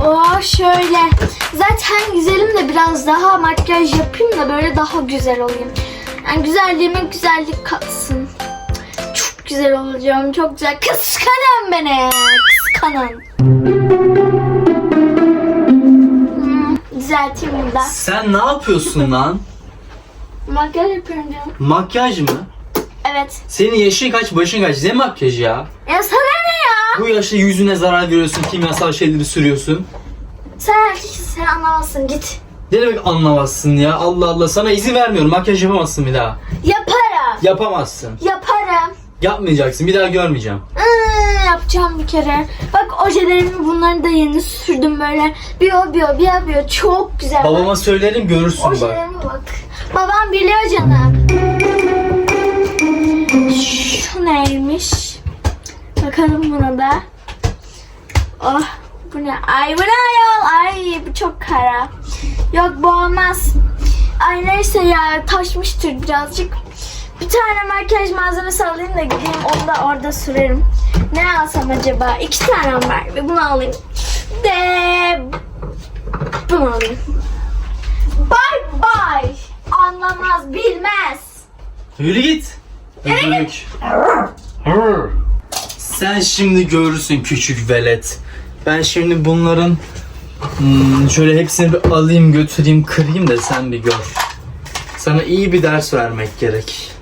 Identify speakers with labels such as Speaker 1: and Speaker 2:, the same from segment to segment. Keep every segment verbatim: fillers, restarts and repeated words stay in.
Speaker 1: Oh şöyle. Zaten güzelim de biraz daha makyaj yapayım da böyle daha güzel olayım. Yani güzelliğime güzellik katsın. Çok güzel olacağım. Çok güzel. Kıskanın beni. Kıskanın. Hmm, düzelteyim burada.
Speaker 2: Sen ne yapıyorsun lan?
Speaker 1: Makyaj yapıyorum canım.
Speaker 2: Makyaj mı?
Speaker 1: Evet.
Speaker 2: Senin yaşın kaç, başın kaç? Ne makyajı ya?
Speaker 1: Ya sana ne ya?
Speaker 2: Bu yaşta yüzüne zarar veriyorsun, kimyasal şeyleri sürüyorsun.
Speaker 1: Sen erkeksin, sen anlamazsın, git.
Speaker 2: Ne demek anlamazsın ya? Allah Allah, sana izin vermiyorum. Makyaj yapamazsın bir daha.
Speaker 1: Yaparım.
Speaker 2: Yapamazsın.
Speaker 1: Yaparım.
Speaker 2: Yapmayacaksın, bir daha görmeyeceğim.
Speaker 1: Iıı, yapacağım bir kere. Bak ojelerimi bunları da yeni sürdüm böyle. Bir o bir o bir o bir o. Çok güzel.
Speaker 2: Babama söylerim, görürsün bak.
Speaker 1: Ojelerime bak. Babam biliyor canım. Şu neymiş? Bakalım buna da. Oh bu ne? Ay bu ne ayol? Ay bu çok kara. Yok bu olmaz. Ay neyse ya, taşmıştır birazcık. Bir tane makyaj malzemesi alayım da gideyim onu da orada sürerim. Ne alsam acaba? İki tane var ve bunu alayım. De bunu alayım. Bye bye. Anlamaz, bilmez.
Speaker 2: Yürü git. Öbürlük. Hırr. Sen şimdi görürsün küçük velet. Ben şimdi bunların hmm, şöyle hepsini bir alayım, götüreyim, kırayım da sen bir gör. Sana iyi bir ders vermek gerek.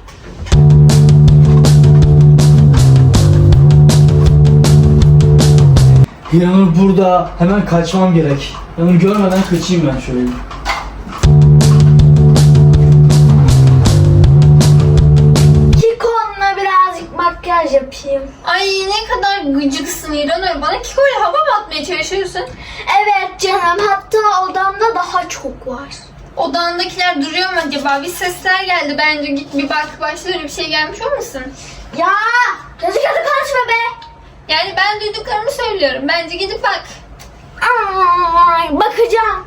Speaker 2: Yanır burada. Hemen kaçmam gerek. Yanır görmeden kaçayım ben şöyle.
Speaker 1: Kikon'la birazcık makyaj yapayım.
Speaker 3: Ay ne kadar gıcıksın İranur. Bana Kiko'yla hava mı atmaya çalışıyorsun?
Speaker 1: Evet canım, hatta odamda daha çok var.
Speaker 3: Odandakiler duruyor mu acaba? Bir sesler geldi, bence git bir bak. Başta öyle bir şey gelmiş olmasın?
Speaker 1: Ya kötü kötü konuşma be.
Speaker 3: Yani ben duyduklarımı söylüyorum. Bence gidip bak.
Speaker 1: Ay, bakacağım.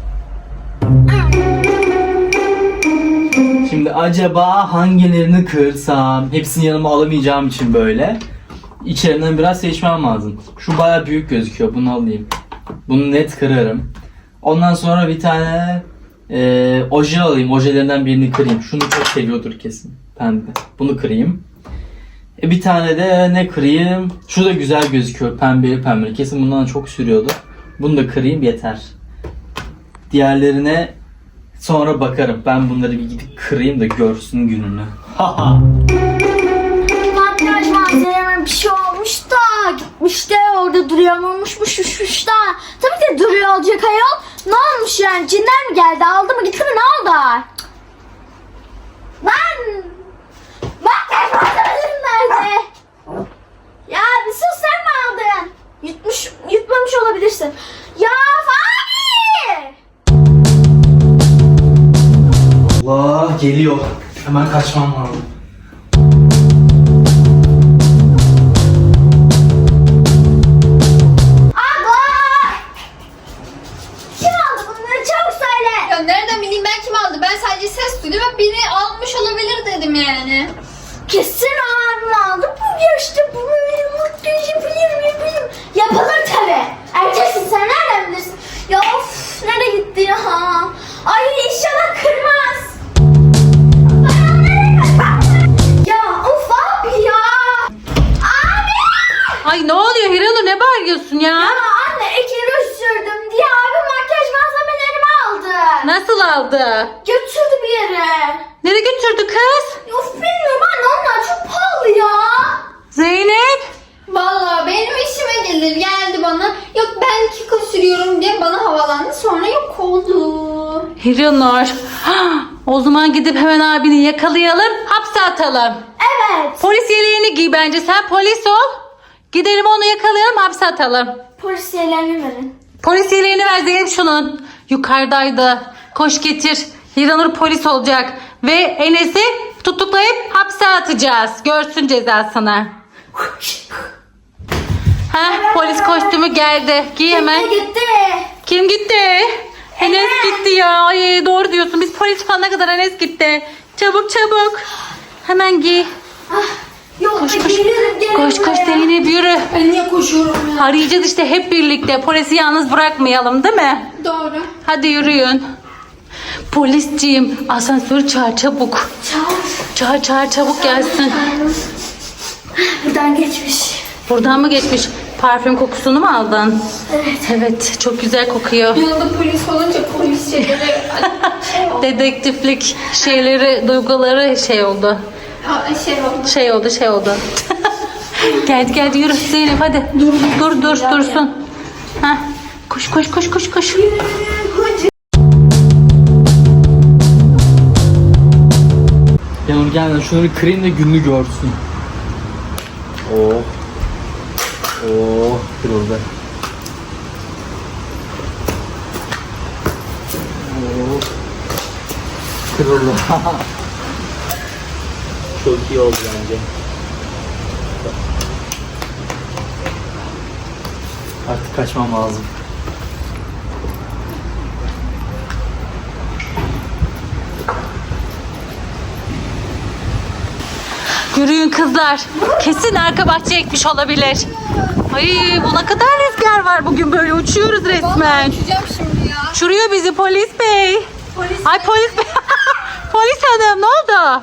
Speaker 2: Şimdi acaba hangilerini kırsam? Hepsini yanıma alamayacağım için böyle. İçlerinden biraz seçmem lazım. Şu baya büyük gözüküyor. Bunu alayım. Bunu net kırarım. Ondan sonra bir tane e, oje alayım. Ojelerinden birini kırayım. Şunu çok seviyordur kesin. Pembe. Bunu kırayım. E, bir tane de ne kırayım? Şu da güzel gözüküyor. Pembe pembe. Kesin bundan çok sürüyordu. Bunu da kırayım yeter. Diğerlerine sonra bakarım. Ben bunları bir gidip kırayım da görsün gününü. Haha.
Speaker 1: Makyaj malzememe bir şey olmuş da gitmiş de orada duruyor olmuşmuş uçmuş da. Tabii ki duruyor olacak ayol. Ne olmuş yani, cinler mi geldi, aldı mı gitti mi, ne oldu? Lan makyaj malzemelerim nerede? Ya bir sus, sen mi aldın? Yutmuş, yutmamış olabilirsin. Ya Fani!
Speaker 2: Allah geliyor. Hemen kaçmam lazım.
Speaker 1: Abla! Kim aldı bunları, çabuk söyle.
Speaker 3: Ya nereden bileyim ben kim aldı? Ben sadece ses duydum ve biri almış olabilir dedim yani.
Speaker 1: Kesin abim aldı. Bu yaşta bu böyle makyaj yapayım yapayım. Yapılır tabi. Erkeksin sen, nereden bilirsin? Ya of, nereye gitti ya? Ay inşallah kırmaz. Ay, nereye kaçtı? Ya of abi ya. Abi.
Speaker 4: Ay ne oluyor Hiranur, ne bağırıyorsun ya?
Speaker 1: Ya anne, iki ruj sürdüm diye abim makyaj malzemelerimi aldı.
Speaker 4: Nasıl aldı?
Speaker 1: Götürdü bir yere.
Speaker 4: Nereye götürdü kız?
Speaker 1: Of bilmiyorum anne, onlar çok pahalı ya.
Speaker 4: Zeynep.
Speaker 3: Vallahi benim işime gelir, geldi bana. Yok ben Kiko sürüyorum diye bana havalandı, sonra yok oldu.
Speaker 4: Hiranur. O zaman gidip hemen abini yakalayalım, hapse atalım.
Speaker 1: Evet.
Speaker 4: Polis yeleğini giy bence, sen polis ol. Gidelim onu yakalayalım, hapse atalım.
Speaker 1: Polis yerlerini verin.
Speaker 4: Polis yeleğini ver Zeynep şunun. Yukarıdaydı. Koş getir. Hiranur polis olacak. Ve Enes'i tutuklayıp hapse atacağız. Görsün cezasını. Heh, polis kostümü geldi. Giy hemen.
Speaker 1: Gitti gitti.
Speaker 4: Kim gitti? Enes gitti ya. Ay, doğru diyorsun. Biz polis çıkana kadar Enes gitti. Çabuk çabuk. Hemen giy.
Speaker 1: Ah, Yok
Speaker 4: Koş,
Speaker 1: koş,
Speaker 4: koş.
Speaker 1: gelirim, gelirim
Speaker 4: Koş koş
Speaker 1: buraya.
Speaker 4: Zeynep yürü.
Speaker 3: Ben niye koşuyorum ya?
Speaker 4: Arayacağız işte hep birlikte. Polisi yalnız bırakmayalım değil mi?
Speaker 3: Doğru.
Speaker 4: Hadi yürüyün. Polisciğim asansörü çağır çabuk.
Speaker 1: Çağır.
Speaker 4: Çağır çağır çabuk gelsin.
Speaker 1: Buradan geçmiş.
Speaker 4: Buradan mı geçmiş? Parfüm kokusunu mu aldın?
Speaker 1: Evet.
Speaker 4: Evet çok güzel kokuyor.
Speaker 3: Yanında polis olunca polis şeyleri şey oldu.
Speaker 4: Dedektiflik şeyleri, duyguları şey oldu.
Speaker 3: Aa, şey oldu.
Speaker 4: Şey oldu şey oldu. geldi geldi yürü Zeynep hadi. Dur dur dur dursun. Heh. Koş koş koş koş koş.
Speaker 2: Yanur gel şunları kırayım da gününü görsün. Oh. Oh kırıldı. Oh. Kırıldı. Çok iyi oldu bence. Artık kaçmam lazım.
Speaker 4: Yürüyün kızlar. Kesin arka bahçeye gitmiş olabilir. Ay bu ne kadar rüzgar var bugün böyle uçuyoruz resmen.
Speaker 3: Uçacağım şimdi ya.
Speaker 4: Uçuruyor bizi polis bey.
Speaker 1: Polis
Speaker 4: Ay polis bey. Polis hanım ne oldu?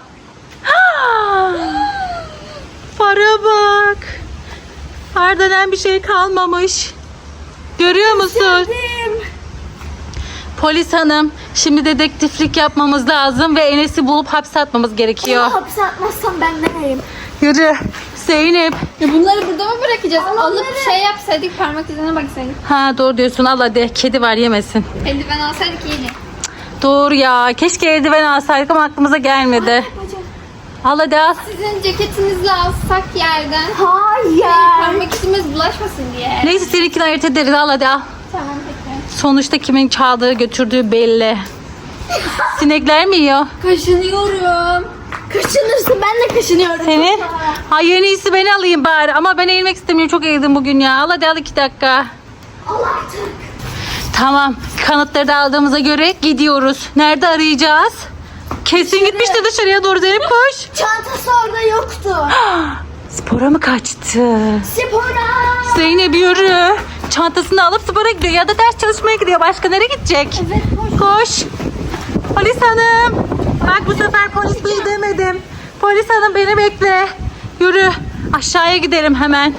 Speaker 4: Para bak. Ardından bir şey kalmamış. Görüyor musun?
Speaker 1: Geldim.
Speaker 4: Polis hanım şimdi dedektiflik yapmamız lazım ve Enes'i bulup hapse atmamız gerekiyor.
Speaker 1: Onu hapse atmazsam ben nereyim?
Speaker 4: Yürü. Zeynep.
Speaker 3: Ya bunları burada mı bırakacağız? Alıp şey yapsaydık, parmak izine baksaydık.
Speaker 4: Ha doğru diyorsun al hadi. Kedi var yemesin.
Speaker 3: Eldiven alsaydık iyiydi.
Speaker 4: Doğru ya. Keşke eldiven alsaydık ama aklımıza gelmedi.
Speaker 1: Bacım.
Speaker 4: Al hadi al.
Speaker 3: Sizin ceketinizle alsak yerden.
Speaker 1: Hayır.
Speaker 3: Parmak izimiz bulaşmasın diye.
Speaker 4: Neyse seninkini ayırt ederiz. Al hadi al.
Speaker 3: Tamam peki.
Speaker 4: Sonuçta kimin çaldığı götürdüğü belli. Sinekler mi yiyor?
Speaker 3: Kaşınıyorum.
Speaker 1: Kaşınırsın, ben de kaşınıyorum.
Speaker 4: Seni? Ay en iyisi ben alayım bari. Ama ben eğilmek istemiyorum. Çok eğildim bugün ya. Al hadi al iki dakika.
Speaker 1: Al artık.
Speaker 4: Tamam. Kanıtları da aldığımıza göre gidiyoruz. Nerede arayacağız? Kesin gitmişti dışarıya doğru Zeynep koş.
Speaker 1: Çantası orada yoktu.
Speaker 4: Spora mı kaçtı?
Speaker 1: Spora.
Speaker 4: Zeynep yürü. Çantasını alıp spora gidiyor ya da ders çalışmaya gidiyor. Başka nereye gidecek?
Speaker 1: Evet, koş.
Speaker 4: Koş. Polis hanım. Bak bu sefer polis bey demedim. Polis hanım beni bekle. Yürü. Aşağıya gidelim hemen.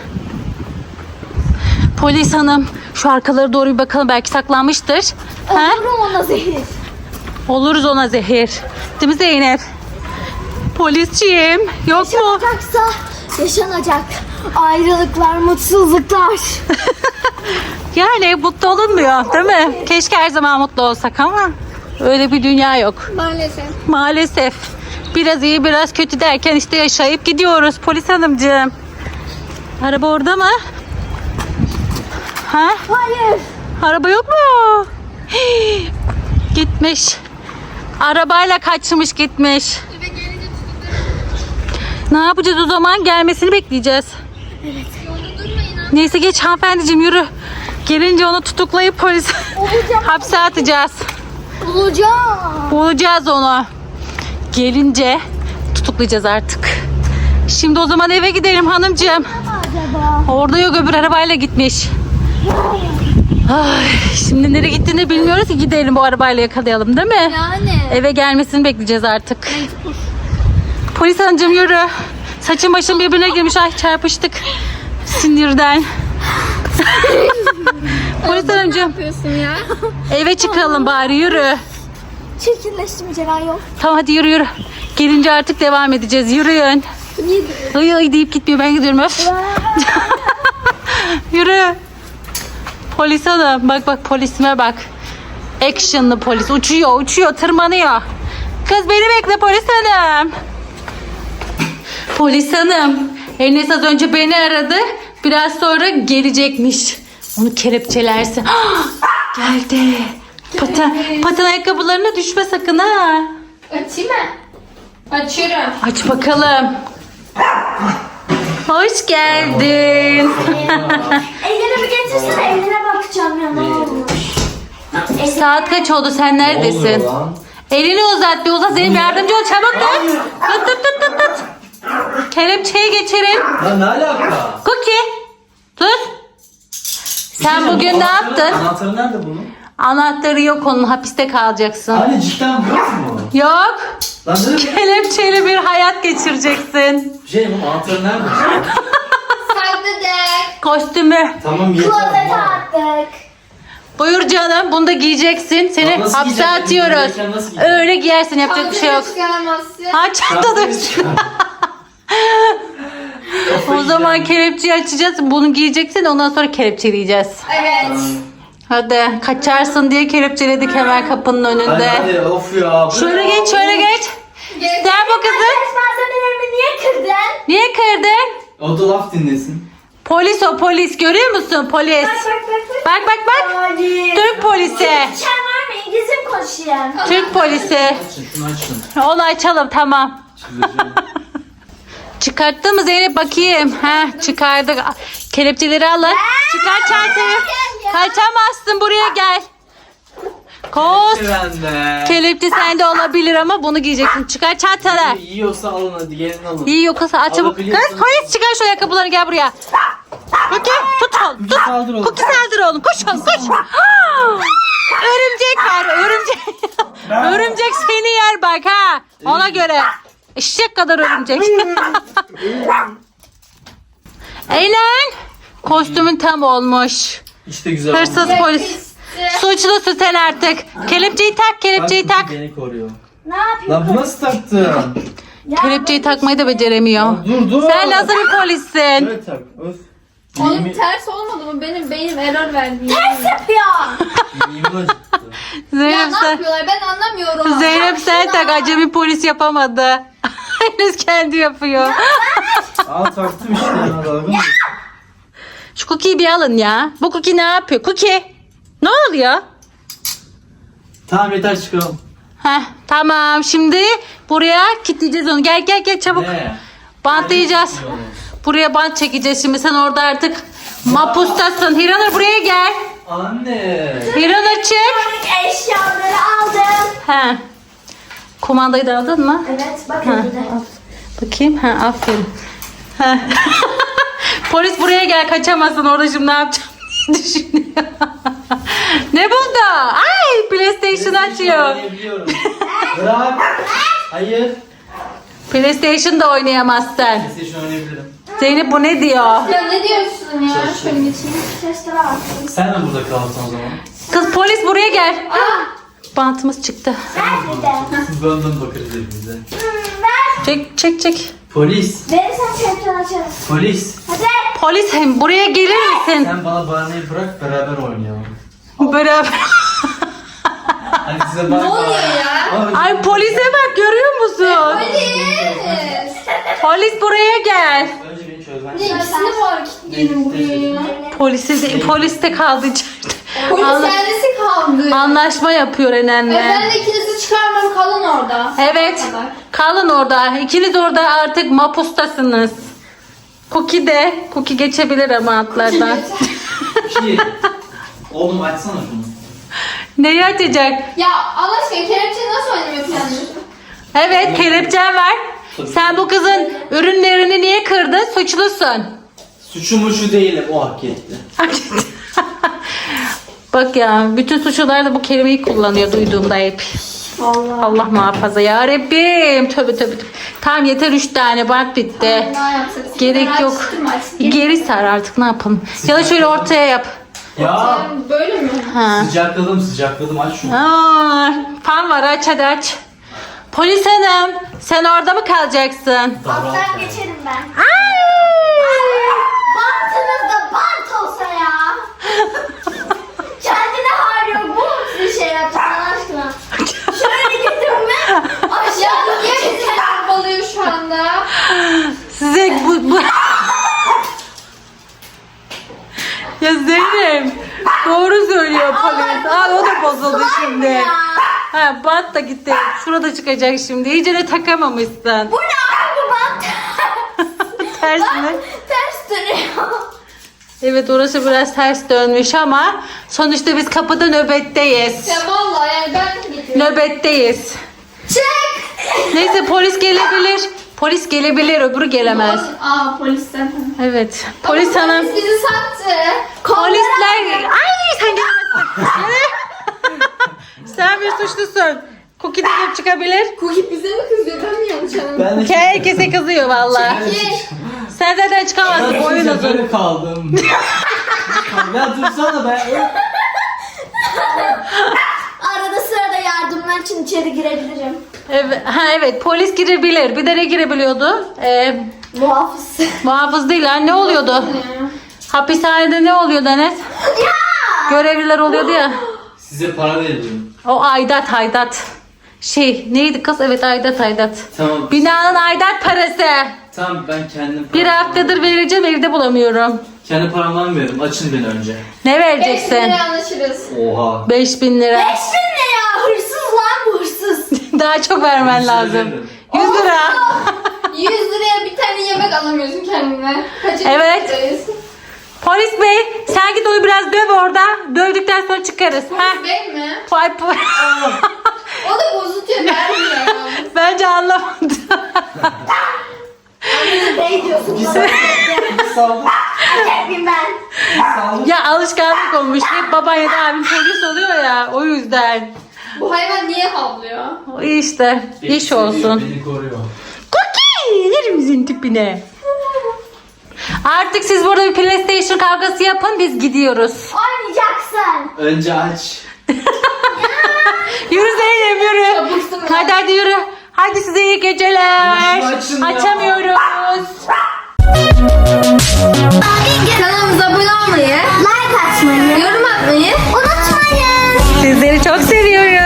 Speaker 4: Polis hanım. Şu arkalara doğru bir bakalım. Belki saklanmıştır. Ha?
Speaker 1: Olurum ona zehir.
Speaker 4: Oluruz ona zehir. Değil mi Zeynep? Polisciğim. Yok mu?
Speaker 1: Yaşanacaksa yaşanacak. Ayrılıklar, mutsuzluklar.
Speaker 4: Yani mutlu olunmuyor değil mi? Keşke her zaman mutlu olsak ama öyle bir dünya yok.
Speaker 3: Maalesef.
Speaker 4: Maalesef. Biraz iyi biraz kötü derken işte yaşayıp gidiyoruz polis hanımcığım. Araba orada mı? Ha?
Speaker 1: Hayır.
Speaker 4: Araba yok mu? Hii, gitmiş. Arabayla kaçmış gitmiş. Ne yapacağız o zaman? Gelmesini bekleyeceğiz. Neyse geç hanımefendiciğim yürü. Gelince onu tutuklayıp polis hapse atacağız.
Speaker 1: Bulacağım.
Speaker 4: Bulacağız onu. Gelince tutuklayacağız artık. Şimdi o zaman eve gidelim hanımcığım.
Speaker 1: Acaba?
Speaker 4: Orada yok öbür arabayla gitmiş. Ay, şimdi nereye gittiğini bilmiyoruz ki gidelim bu arabayla yakalayalım değil mi?
Speaker 3: Yani.
Speaker 4: Eve gelmesini bekleyeceğiz artık. Polis hanımcığım yürü. Saçım başım birbirine girmiş. Ay çarpıştık. Sinirden. Polis
Speaker 3: Ne
Speaker 4: hanımcığım
Speaker 3: yapıyorsun ya?
Speaker 4: eve çıkalım bari yürü.
Speaker 1: Çirkinleşti mi Ceren, yok?
Speaker 4: Tamam hadi yürü yürü. Gelince artık devam edeceğiz. Yürüyün. Ay ay deyip gitmiyor. Ben gidiyorum öf. Yürü. Polis hanım. Bak bak polisime bak. Actionlı polis. Uçuyor uçuyor tırmanıyor. Kız beni bekle polis hanım. Polis hanım. Enes az önce beni aradı. Biraz sonra gelecekmiş. Onu kelepçelersin. Geldi. Paten, paten ayakkabılarına düşme sakın ha.
Speaker 3: Açayım mı? Açıyorum.
Speaker 4: Aç bakalım. Hoş geldin.
Speaker 1: Ellerimi getirsene, eline bakacağım ya, ne olmuş.
Speaker 4: Saat kaç oldu sen
Speaker 2: Ne oluyor
Speaker 4: neredesin?
Speaker 2: lan?
Speaker 4: Elini uzat bir uzat Zeynep yardımcı ol çabuk tut. Tut tut tut tut tut. Kelepçeyi geçirin.
Speaker 2: Lan ne alaka?
Speaker 4: Cookie. Dur. Sen
Speaker 2: Bu
Speaker 4: bugün ne
Speaker 2: anahtarı-
Speaker 4: yaptın?
Speaker 2: Anahtarı nerede bunun?
Speaker 4: Anahtarı yok, onun hapiste kalacaksın.
Speaker 2: Anne cidden yok mu?
Speaker 4: Yok.
Speaker 2: Lan ne demek?
Speaker 4: Kelepçeyle bir hayat geçireceksin.
Speaker 2: Şey bu anahtarı nerede?
Speaker 3: Sakladık.
Speaker 4: Kostümü.
Speaker 2: Tamam yeter.
Speaker 1: Klozete
Speaker 2: ama.
Speaker 1: attık.
Speaker 4: Buyur canım, bunu da giyeceksin. Seni
Speaker 2: Lan nasıl
Speaker 4: hapse
Speaker 2: giyeceğim?
Speaker 4: atıyoruz.
Speaker 2: Buradayken nasıl giyeceğim?
Speaker 4: Öyle giyersin, yapacak bir şey yok.
Speaker 3: Çıkarmazsın.
Speaker 4: Ha çantada.
Speaker 2: Çantayı çıkar.
Speaker 4: O zaman kelepçeyi açacağız. Bunu giyeceksin, ondan sonra kelepçeleyeceğiz.
Speaker 3: Evet.
Speaker 4: Hadi kaçarsın diye kelepçeledik hemen kapının
Speaker 2: Hadi
Speaker 4: önünde.
Speaker 2: hadi of ya. bu
Speaker 4: Şöyle
Speaker 2: ne?
Speaker 4: geç, şöyle geç.
Speaker 3: Gel.
Speaker 4: Sen bu kızı
Speaker 1: Test malzemelerimi niye kırdın?
Speaker 4: niye kırdın?
Speaker 2: O da laf dinlesin.
Speaker 4: Polis o, polis, görüyor musun polis?
Speaker 1: Bak bak bak. bak.
Speaker 4: Bak bak bak.
Speaker 1: Hadi.
Speaker 4: Türk polisi.
Speaker 1: Sen var mı? İngilizce mi konuşuyorsun?
Speaker 4: Türk polisi.
Speaker 2: Açın şunu açın.
Speaker 4: Onu açalım, tamam.
Speaker 2: Çizeceğim.
Speaker 4: Çıkarttın mı Zeynep, bakayım. Heh, çıkardık. Kelepçeleri alın. Çıkar çantayı. Kaçamazsın, buraya gel. Koş.
Speaker 2: Bende.
Speaker 4: Kelepçe sende olabilir ama bunu giyeceksin. Çıkar çantanı.
Speaker 2: Yiyorsa alın hadi gelin alın.
Speaker 4: İyi yoksa aç çabuk. Kız
Speaker 2: Alabiliyorsun.
Speaker 4: polis, çıkar şu ayakkabıları, gel buraya. Cookie tut oğlum, tut.
Speaker 2: saldır oğlum.
Speaker 4: Cookie saldır oğlum, koş oğlum koş. Ah! Örümcek var, örümcek. Örümcek seni yer bak ha. Ona göre. Eşek kadar örümcek. Eylem. Kostümün tam olmuş.
Speaker 2: İşte güzel
Speaker 4: Hırsız
Speaker 2: oldu.
Speaker 4: polis. Suçlusun sen artık. Kelepçeyi tak, kelepçeyi
Speaker 2: Bak,
Speaker 4: tak.
Speaker 2: Beni koruyor.
Speaker 1: Ne yapıyorsun?
Speaker 2: Lan bu nasıl taktın?
Speaker 1: Ya,
Speaker 4: Kelepçeyi takmayı da beceremiyor.
Speaker 2: Lan dur dur.
Speaker 4: Sen nasıl bir polissin?
Speaker 2: Evet tak. Öf.
Speaker 3: Onun
Speaker 2: Yemin-
Speaker 3: ters olmadı mı? Benim beynim error verdi.
Speaker 1: Ters yapıyor.
Speaker 2: yemin acıttı.
Speaker 3: Ya
Speaker 4: Zeynep
Speaker 3: ne
Speaker 4: sen,
Speaker 3: yapıyorlar? Ben anlamıyorum.
Speaker 4: Zeynep sen tak, acemi polis yapamadı. Henüz kendi yapıyor.
Speaker 2: Al taktım işte ya dalga mı?
Speaker 4: Şu Cookie'yi bir alın ya. Bu Cookie ne yapıyor? Cookie. Ne oluyor?
Speaker 2: Tamam yeter çıkalım.
Speaker 4: Heh, tamam, şimdi buraya kilitleyeceğiz onu. Gel gel gel çabuk.
Speaker 2: Ne?
Speaker 4: Bantlayacağız. Buraya bant çekeceğiz şimdi. Sen orada artık mapustasın. Hiranur buraya gel.
Speaker 2: Anne.
Speaker 4: Hiranur çık.
Speaker 1: Artık eşyaları aldım.
Speaker 4: He. Kumandayı da aldın mı?
Speaker 1: Evet bakın burada.
Speaker 4: Bakayım. Ha, aferin. Ha. Polis buraya gel, kaçamazsın, orada şimdi ne yapacağım diye düşünüyor. Ne buldu? Ay, PlayStation açıyor.
Speaker 2: Oynayabiliyorum. Bırak. Hayır.
Speaker 4: PlayStation da oynayamazsın.
Speaker 2: PlayStation oynayabilirim.
Speaker 4: Zeynep bu ne diyor?
Speaker 3: Ya ne diyorsun ya? Şöyle geçeyim.
Speaker 1: Testere baktım.
Speaker 2: Sen de burada kaldın o zaman.
Speaker 4: Kız polis buraya gel. Bantımız çıktı.
Speaker 1: Nerede?
Speaker 2: Siz benden bakarız hepimize.
Speaker 1: Hmm, ver.
Speaker 4: Çek çek çek.
Speaker 2: Polis.
Speaker 1: Verirsen telefonu açarız.
Speaker 2: Polis.
Speaker 1: Hadi.
Speaker 4: Polis hem buraya gelir misin?
Speaker 2: Sen bana bahaneyi bırak beraber oynayalım.
Speaker 4: Beraber.
Speaker 2: Hadi size bak.
Speaker 3: Ne oluyor ya?
Speaker 4: Ay polise bak, görüyor musun?
Speaker 3: Polis.
Speaker 4: Polis buraya gel.
Speaker 2: Önce beni çözmen
Speaker 3: Ne ikisini var kilitleyelim buraya.
Speaker 4: Polisi de, polis de kaldı içeride.
Speaker 3: Polis
Speaker 4: Anla-
Speaker 3: kendisi kaldı.
Speaker 4: Anlaşma yapıyor
Speaker 3: E,
Speaker 4: Enen'le.
Speaker 3: ben de ikinizi çıkarmam, kalın orada.
Speaker 4: Evet.
Speaker 3: Sabah kadar.
Speaker 4: Kalın orada. İkiniz orada artık mapustasınız. Cookie de. Cookie geçebilir ama atlardan.
Speaker 2: Ki. Oğlum açsana şunu.
Speaker 4: Neyi açacak?
Speaker 3: Ya Allah aşkına kelepçeyi nasıl oynamayı planlıyorsun?
Speaker 4: Evet, kelepçen var. Sen bu kızın ürünlerini niye kırdın? Suçlusun.
Speaker 2: Suçumu şu değilim. O hak etti.
Speaker 4: Bak ya, bütün suçlular da bu kelimeyi kullanıyor duyduğumda hep.
Speaker 1: Allah.
Speaker 4: Allah muhafaza ya Rabbim. Tövbe tövbe. tövbe. Tamam yeter, üç tane bant bitti.
Speaker 3: Ne yapsak?
Speaker 4: Gerek
Speaker 3: Ben
Speaker 4: yok.
Speaker 3: açtım artık.
Speaker 4: Geri sar artık, ne yapalım. Ya da şöyle ortaya yap.
Speaker 2: Ya.
Speaker 3: Sen Böyle mi?
Speaker 4: Ha.
Speaker 2: Sıcakladım sıcakladım aç şunu.
Speaker 4: Aa, fan var, aç hadi aç. Polis hanım, sen orada mı kalacaksın?
Speaker 1: Alttan geçerim ben.
Speaker 4: Ay!
Speaker 1: Bantınız da bant olsa ya. Kendine hal yok. Bu mu bir şey yaptın Allah aşkına? Şöyle getirin ben.
Speaker 3: Ya
Speaker 1: Aşağıda
Speaker 3: niye
Speaker 1: geçerim.
Speaker 3: bizi bombalıyor şu anda?
Speaker 4: Size bu... bu... Ya Zeynep, doğru söylüyor polis. Aa, o da bozuldu şimdi.
Speaker 1: ya.
Speaker 4: Ha, bant da gitti. Şurada çıkacak şimdi. İyice de takamamışsın.
Speaker 1: Bu ne abi bu bant?
Speaker 4: Tersine.
Speaker 1: Ters dönüyor.
Speaker 4: Evet, orası biraz ters dönmüş ama sonuçta biz kapıda nöbetteyiz.
Speaker 3: Ya vallahi yani ben de gidiyorum.
Speaker 4: Nöbetteyiz.
Speaker 1: Çık.
Speaker 4: Neyse, polis gelebilir. Polis gelebilir, öbürü gelemez.
Speaker 3: Aa polis zaten.
Speaker 4: Evet. Polis
Speaker 3: Ama
Speaker 4: hanım.
Speaker 3: Polis bizi sattı.
Speaker 4: Polisler. Ay sen gelemezsin. Sen bir suçlusun. Cookie de gelip çıkabilir.
Speaker 3: Cookie bize mi kızıyor? Ben mi yanlış anladım?
Speaker 2: Ben de
Speaker 4: Herkese kızıyor valla.
Speaker 3: Ye.
Speaker 4: Sen zaten çıkamazsın.
Speaker 2: Ben
Speaker 4: Oyun
Speaker 2: size
Speaker 4: uzun.
Speaker 2: böyle kaldım. Ya dursana be.
Speaker 1: Arada sırada yardımlar için içeri girebilirim.
Speaker 4: Evet, ha evet polis girebilir. Bir de ne girebiliyordu? Ee,
Speaker 1: Muhafız.
Speaker 4: muhafız değil ha, ne oluyordu? Hapishanede ne oluyordu Enes? Görevliler oluyordu ya.
Speaker 2: Size para veririm.
Speaker 4: O aidat aidat. Şey neydi kız? Evet aidat aidat.
Speaker 2: Tamam.
Speaker 4: Binanın aidat parası.
Speaker 2: Tamam ben kendim
Speaker 4: Bir
Speaker 2: paramdan-
Speaker 4: haftadır vereceğim, evde bulamıyorum.
Speaker 2: Kendi paramdan veririm. Açın beni önce.
Speaker 4: Ne
Speaker 3: Beş
Speaker 4: vereceksin?
Speaker 3: liraya anlaşırız.
Speaker 2: Oha.
Speaker 4: beş bin lira.
Speaker 1: Beş bin ne ya? Hırsız lan bu hırsız.
Speaker 4: Daha çok vermen
Speaker 2: Yüz lira
Speaker 4: lazım.
Speaker 2: veririm.
Speaker 4: yüz lira.
Speaker 3: yüz liraya bir tane yemek alamıyorsun kendine. Kaçıncı
Speaker 4: Evet.
Speaker 3: yüzyıldayız?
Speaker 4: Polis bey sen git onu biraz döv orada. Dövdükten sonra çıkarız. Ha?
Speaker 3: Polis bey mi?
Speaker 4: Vay po-
Speaker 3: O da bozutuyor vermiyor.
Speaker 4: Bence anlamadı.
Speaker 1: Ne diyorsun?
Speaker 2: Bir saldır. Bir saldır.
Speaker 1: Yapayım ben.
Speaker 2: Bir saldır.
Speaker 4: Ya alışkanlık olmuş. Hep baban ya da abim polis oluyor ya. O yüzden.
Speaker 3: Bu hayvan niye havlıyor?
Speaker 4: O işte.
Speaker 2: Beni
Speaker 4: İş
Speaker 2: seviyor,
Speaker 4: olsun.
Speaker 2: Beni koruyor.
Speaker 4: Cookie! Yerimizin tipine. Artık siz burada bir PlayStation kavgası yapın. Biz gidiyoruz.
Speaker 1: Oynayacaksın.
Speaker 2: Önce aç.
Speaker 4: Yürü Zeynep yürü.
Speaker 3: Çabuksun ya.
Speaker 4: Hadi hadi yürü. Hadi size iyi geceler.
Speaker 2: Şunu açın ya.
Speaker 4: Açamıyoruz.
Speaker 3: Kanalımıza abone olmayı,
Speaker 1: Like atmayı
Speaker 3: yorum atmayı
Speaker 1: unutmayın.
Speaker 4: Sizleri çok seviyoruz.